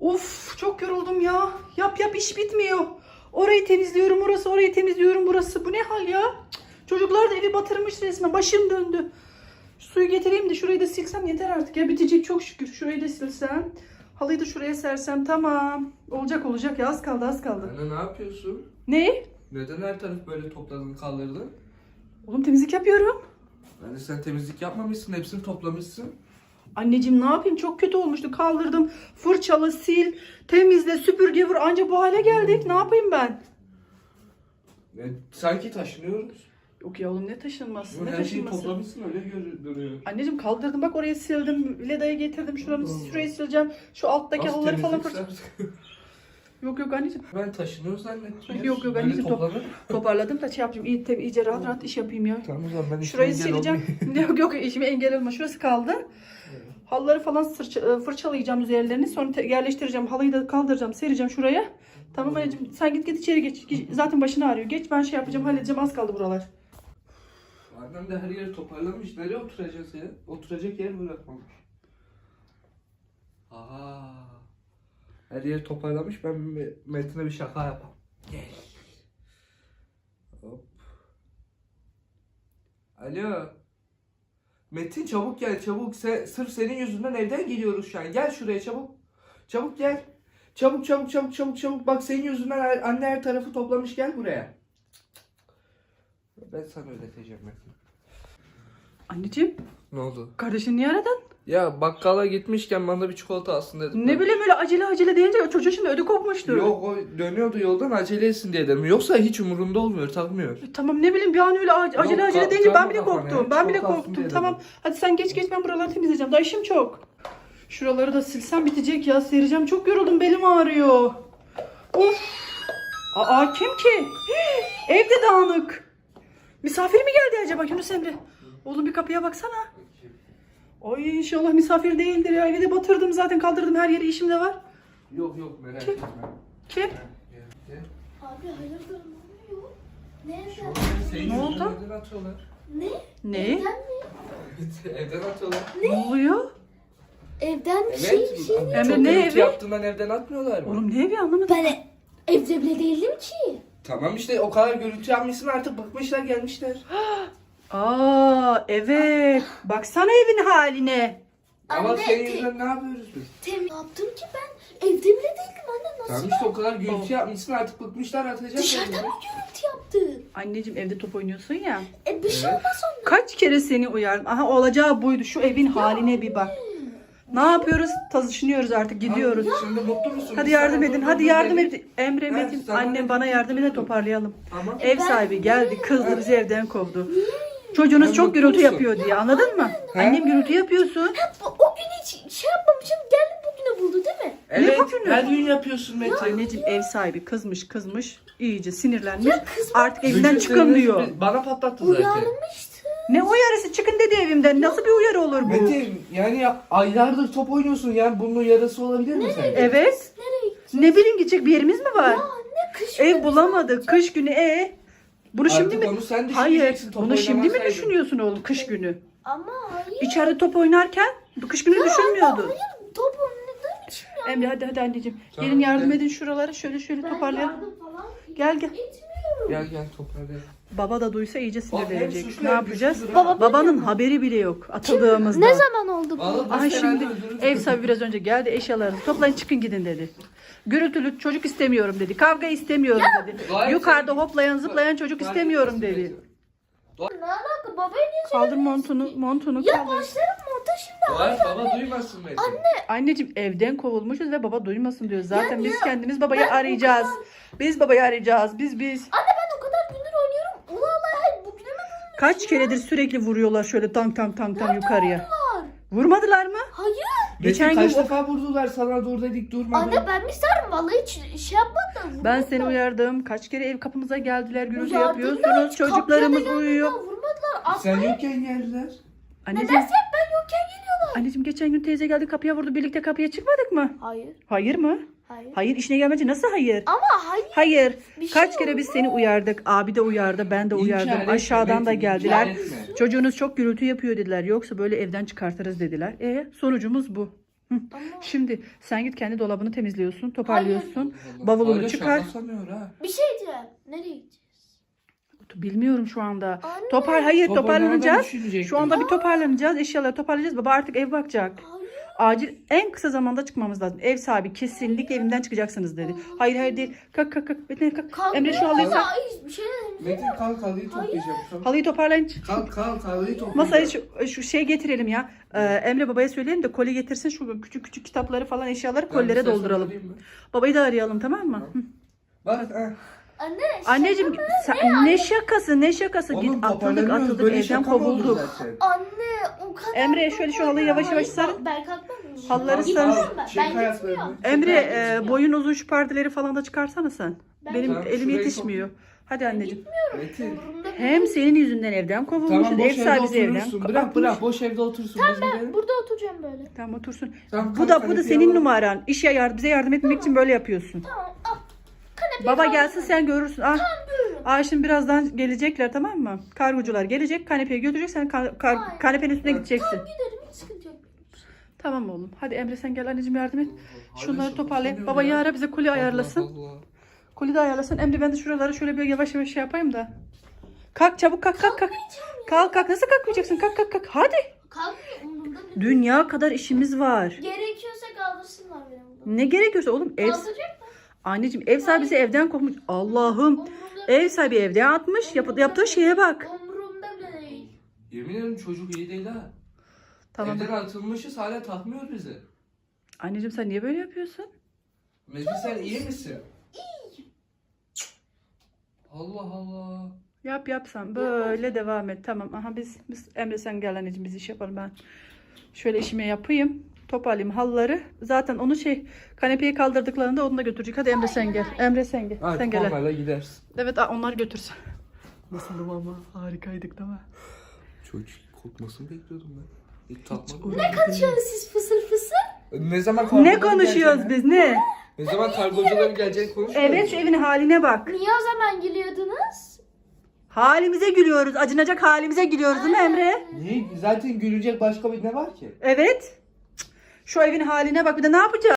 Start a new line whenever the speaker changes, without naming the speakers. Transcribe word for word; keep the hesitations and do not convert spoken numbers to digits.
Of çok yoruldum ya. Yap yap iş bitmiyor. Orayı temizliyorum orası, orayı temizliyorum burası. Bu ne hal ya? Cık, çocuklar da evi batırmış resmen. Başım döndü. Şu suyu getireyim de şurayı da silsem yeter artık ya. Bitecek çok şükür. Şurayı da silsem. Halıyı da şuraya sersem tamam. Olacak olacak ya, az kaldı az kaldı.
Anne ne yapıyorsun?
Ne?
Neden her taraf böyle topladın kaldırdın?
Oğlum temizlik yapıyorum.
Anne sen temizlik yapmamışsın, hepsini toplamışsın.
Anneciğim ne yapayım, çok kötü olmuştu. Kaldırdım, fırçalı, sil, temizle, süpürge vur, anca bu hale geldik. Ne yapayım ben?
E, sanki taşınıyoruz.
Yok ya oğlum, ne taşınması, ne
Her şeyi
taşınması.
toplamışsın, öyle görünüyor.
Anneciğim kaldırdım, bak oraya sildim. Leda'yı getirdim, şuranı şurayı sileceğim. Şu alttaki
Nasıl
halıları falan
temizlik
fırça.
sen?
Yok yok anneciğim.
Ben taşınıyoruz zannettim.
Yok yok
Böyle
anneciğim, top,
toplanır.
toparladım da şey yapayım. İyi, tabii, iyice rahat rahat iş yapayım ya.
Tamam o zaman ben
Şurayı
işime engel
sileceğim.
olmayayım.
Yok yok, işime engel olma. Şurası kaldı. Halıları falan sırça- fırçalayacağım üzerlerini. Sonra te- yerleştireceğim. Halıyı da kaldıracağım, sereceğim şuraya. Tamam anneciğim, sen git git içeri geç. Geç- Zaten başını ağrıyor. Geç, ben şey yapacağım, halledeceğim. Az kaldı buralar.
Annem de her yeri toparlamış. Nereye oturacağız ya? Oturacak yer bırakmamış. Aa. Her yeri toparlamış. Ben Me- Metin'e bir şaka yapayım. Gel. Hop. Alo. Metin çabuk gel çabuk. Se- sırf senin yüzünden evden geliyoruz şu an. Gel şuraya çabuk. Çabuk gel. Çabuk çabuk çabuk çabuk çabuk. Bak senin yüzünden her- anne her tarafı toplamış. Gel buraya. Ben sana ödeteceğim Metin.
Anneciğim,
Ne oldu?
kardeşin niye aradın?
Ya bakkala gitmişken bana bir çikolata alsın dedim.
Ne bileyim, öyle acele acele deyince çocuğun şimdi ödü kopmuştu.
Yok o dönüyordu yoldan acele etsin diye dedim. Yoksa hiç umurunda olmuyor, takmıyor.
E, Tamam, ne bileyim bir an öyle ac- acele
Yok,
acele
ta-
deyince ben
tamam
bile
kafana
korktum.
ya,
Ben bile
çikolata alsın
korktum.
diye
Tamam.
dedim.
Hadi sen geç geç, ben buraları temizleyeceğim. Daha işim çok. Şuraları da silsem bitecek ya. Sereceğim. Çok yoruldum. Belim ağrıyor. Of. Aa, kim ki? Hii, evde dağınık. Misafir mi geldi acaba Yunus Emre? Oğlum bir kapıya baksana. Ay inşallah misafir değildir ya. Evi de batırdım zaten, kaldırdım her yeri, işim de var.
Yok yok merak
Kim?
etme.
Kim?
Gel, gel.
Abi hayırdır, ne oluyor? Nereden?
Şu an senin
Ne
yüzünden
oldu?
Evden atıyorlar.
Ne?
Ne?
Evden mi?
Evet, evden atıyorlar.
Ne oluyor?
Evden bir
Evet.
şey bir şey.
Çok
Emre, ne
gürültü
evi?
yaptığından evden atmıyorlar mı?
Oğlum ne evi, anlamadım.
Ben e- evde bile değildim ki.
Tamam işte o kadar gürültü yapmışsın artık bıkmışlar gelmişler.
Aa evet. Baksana evin haline.
Ama
Anne,
senin
te-
yüzünden ne yapıyoruz biz?
Tem ne yaptım ki ben? Evde bile değildim anne, nasıl?
Tamam işte o kadar gürültü yapmışsın artık bıkmışlar atacak.
Dışarıda
kendini.
mı gürültü yaptın?
Anneciğim evde top oynuyorsun ya.
E bir şey
Evet.
olmaz ondan.
Kaç kere seni uyardım. Aha olacağı buydu. Şu evin haline bir bak. Ne yapıyoruz? Taşınıyoruz artık, gidiyoruz.
Abi, Şimdi mutlu musun?
Hadi
Biz
yardım
sana
edin.
dur,
Hadi
dur
yardım
dedik.
edin. Emre,
Ben
Metin,
sana
annem
dedim,
bana yardım edin,
dur.
toparlayalım.
Tamam.
Ev sahibi geldi, kızdı, bizi evden kovdu. Çocuğunuz
Ben
çok
mutlu
gürültü
musun?
yapıyor diye, anladın mı?
He?
Annem gürültü yapıyorsun.
Bu- O gün hiç şey yapmamışım, geldi bugüne buldu değil mi?
Evet
yapıyorsun?
her gün yapıyorsun Metin.
Anneciğim ev sahibi kızmış kızmış, iyice sinirlenmiş.
Ya kızma.
Artık evinden
Bütün
çıkın
seni
diyor.
Bana patlattı zaten.
Uyarmıştı.
Ne uyarısı, çıkın dedi evimden. Nasıl bir uyarı olur bu?
Metin yani ya, aylardır top oynuyorsun yani bunun uyarısı olabilir mi sence?
Evet.
Nereye gitti?
Ne bileyim, gidecek bir yerimiz mi var?
Anne kış
Ev bulamadık. Kış günü e. Bunu
Artık
şimdi mi?
onu sen
Hayır.
düşüneceksin, top
Bunu şimdi mi
oynamasaydın.
düşünüyorsun oğlum, kış günü?
Ama hayır.
İçeride top oynarken bu kış günü düşünmüyordun.
Hayır, top oynadığım için ya.
Emre hadi hadi anneciğim.
Tamam,
Gelin yardım
gel.
edin şuraları. Şöyle şöyle
Ben
toparlayalım.
yardım falan
Gel gel.
etmiyorum.
Gel gel toparlayalım.
Baba da duysa iyice
Bak, hem
sinirlenecek.
suçlu
Ne
hem
yapacağız?
güçlü.
Baba
Babanın haberi bile yok atıldığımızda.
Ne zaman oldu bu?
Vallahi
Aha
biz
şimdi
herhalde öldürürüz.
ev sahibi biraz önce geldi, eşyalarınızı toplayın çıkın gidin dedi. Gürültülü çocuk istemiyorum dedi. Kavga istemiyorum dedi.
Gayet
Yukarıda
sevgi-
hoplayan zıplayan çocuk
Gayet
istemiyorum
sevgi-
dedi.
Ne alaka? Babaya niye
Kaldır montunu, montunu
Ya
kaldır.
başlarım monta şimdi.
Vay baba duymasın Metin.
Anneciğim evden kovulmuşuz ve baba duymasın diyor. Zaten
Yani
biz
ya,
kendimiz babayı
ben o
arayacağız. Biz babayı arayacağız. Biz biz.
Anne ben o kadar gündür oynuyorum. Ula ula hayır bugüne mi bulmuş?
Kaç keredir sürekli vuruyorlar şöyle tank tank tank tank yukarıya.
Var.
Vurmadılar mı?
Hayır.
Geçen
Metin
gün
kaç
o-
defa vurdular sana dur dedik durmadın.
Anne ben mi sarım? Vallahi hiç şey yapmadım.
Ben seni uyardım. Kaç kere ev kapımıza geldiler, gürültü
Uyardım da
yapıyorsunuz.
hiç
Çocuklarımız
kapıya da
uyuyor.
gelmediler, Vurmadılar.
Sen
Asla.
yokken geldiler.
Anneciğim,
Nedense hep ben yokken geliyorlar.
anneciğim geçen gün teyze geldi kapıya vurdu. Birlikte kapıya çıkmadık mı?
Hayır.
Hayır mı?
Hayır.
Hayır, işine gelmece nasıl hayır?
Ama hayır.
Hayır.
Bir şey
Kaç kere biz seni uyardık. Abi de uyardı, ben de uyardım.
İnkar etme,
Aşağıdan da
Metin,
geldiler.
inkar etme.
Çocuğunuz çok gürültü yapıyor dediler. Yoksa böyle evden çıkartırız dediler. E sonucumuz bu.
Ama
Şimdi sen git kendi dolabını temizliyorsun, toparlıyorsun.
Allah.
Bavulunu
Öyle
çıkar.
şaka sanıyor ha.
bir şey diyeceğim. Nereye gideceğiz?
Bilmiyorum şu anda.
Anne.
Topar hayır
Toparlamadan
toparlanacağız.
düşünecektim.
Şu anda bir toparlanacağız. Eşyaları toparlayacağız. Baba artık ev bakacak.
Hayır.
Acil en kısa zamanda çıkmamız lazım. Ev sahibi kesinlikle evimden çıkacaksınız dedi. Hayır hayır değil. Kalk kalk kalk. Metin kalk.
Kalkmıyor
Emre şu halıyı
ama
sen.
ay, bir şey dedim.
Metin kalk halıyı toplayacağım. Kalk.
Halıyı toparlayın.
Kalk kalk halıyı toplayacağım.
Masaya şu, şu şey getirelim ya. Ee, Emre babaya söyleyelim de koli getirsin şu küçük küçük kitapları falan eşyaları
Ben
kollere
bir ses
dolduralım.
alayım mı?
Babayı da arayalım tamam mı? Hı.
Bak ha.
Anne.
Anneciğim sen, ne şakası ne şakası
Oğlum,
git atıldık
toparlanıyoruz.
atıldık
Böyle
evden
şaka mı olur
kovulduk.
zaten?
Anne o kadar.
Emre, şöyle şu halıyı yavaş yavaş
Hayır,
sarın.
Ben kalkmam.
Halları
Gitmiyorum
sarın.
ben.
Çek
Ben
ayaklarını.
gitmiyorum.
Emre
Ben
e,
gitmiyorum.
boyun uzun şu perdeleri falan da çıkarsana sen.
Ben
Benim
Tamam,
elim
şurayı
yetişmiyor. Hadi anneciğim.
Metin.
Umurumda
Hem
değil.
senin yüzünden evden kovulmuşuz.
Tamam boş
Ev
evde
sahibi evden.
oturursun. Bırak
atmış.
bırak boş evde otursun. Biz gidelim.
Burada oturacağım böyle.
Tamam otursun.
Tamam,
Bu
kalk,
da bu da
kanepeyi
senin
alalım.
numaran. İşe yardım bize yardım etmek için böyle yapıyorsun.
Tamam al. Kanepeyi
Baba
al.
gelsin sen görürsün. Ah.
Buyurun.
Aa şimdi birazdan gelecekler tamam mı? Kargocular gelecek. Kanepeyi götürecek. Sen ka- kar-
Hayır.
kanepenin üstüne gideceksin.
Giderim hiç sıkıntı yok.
Tamam oğlum. Hadi Emre sen gel anneciğim yardım et.
Hala
Şunları
şaka
toparlayın.
sanıyor
Baba
ya.
ara bize koli ayarlasın.
Allah Allah.
Koli de ayarlasın. Emre ben de şuraları şöyle bir yavaş yavaş şey yapayım da. Kalk çabuk kalk kalk kalk. Kalk kalk nasıl kalkmayacaksın? Kalk kalk kalk. Hadi.
Kalkmıyor umurumda değil.
Dünya kadar işimiz var.
Gerekiyorsa kaldırsınlar beni buradan.
Ne gerekiyorsa oğlum ev
Kaldıracak mı?
anneciğim ev sahibi bizi evden kovmuş. Allah'ım.
Umurumda
Ev sahibi evden atmış. Yap- yaptığı şeye bak.
Umurumda bile değil.
Yemin ederim çocuk iyi değil ha.
Tamam.
Evden atılmışız hala takmıyor bizi.
Anneciğim sen niye böyle yapıyorsun?
Metin sen iyi misin? İyi. Allah Allah.
Yap yapsan böyle devam et. Tamam. Aha biz, biz Emre sen gel anneciğim biz iş yapalım ben. Şöyle işimi yapayım. Toparlayayım halıları. Zaten onu şey kanepeyi kaldırdıklarında onu da götürecek. Hadi Emre sen gel. Emre sen gel.
Hadi
sen gel.
formayla gidersin.
Evet aa, onlar götürsün. Nasıldım ama harikaydık değil mi?
Çocuk kokmasını bekliyordum ben. İlk tatmadım.
Ne konuşuyorsunuz siz fısır fısır?
Ne zaman
Ne
kargocuların
konuşuyoruz
geleceğini-
biz ne?
Ne zaman kargocuların geleceğini konuşuyoruz.
Evet şu evin haline bak.
Niye o zaman gülüyordunuz?
Halimize gülüyoruz. Acınacak halimize gülüyoruz değil mi Emre?
Niye? Zaten gülecek başka bir ne var ki?
Evet. Cık, şu evin haline bak bir de ne yapacağız?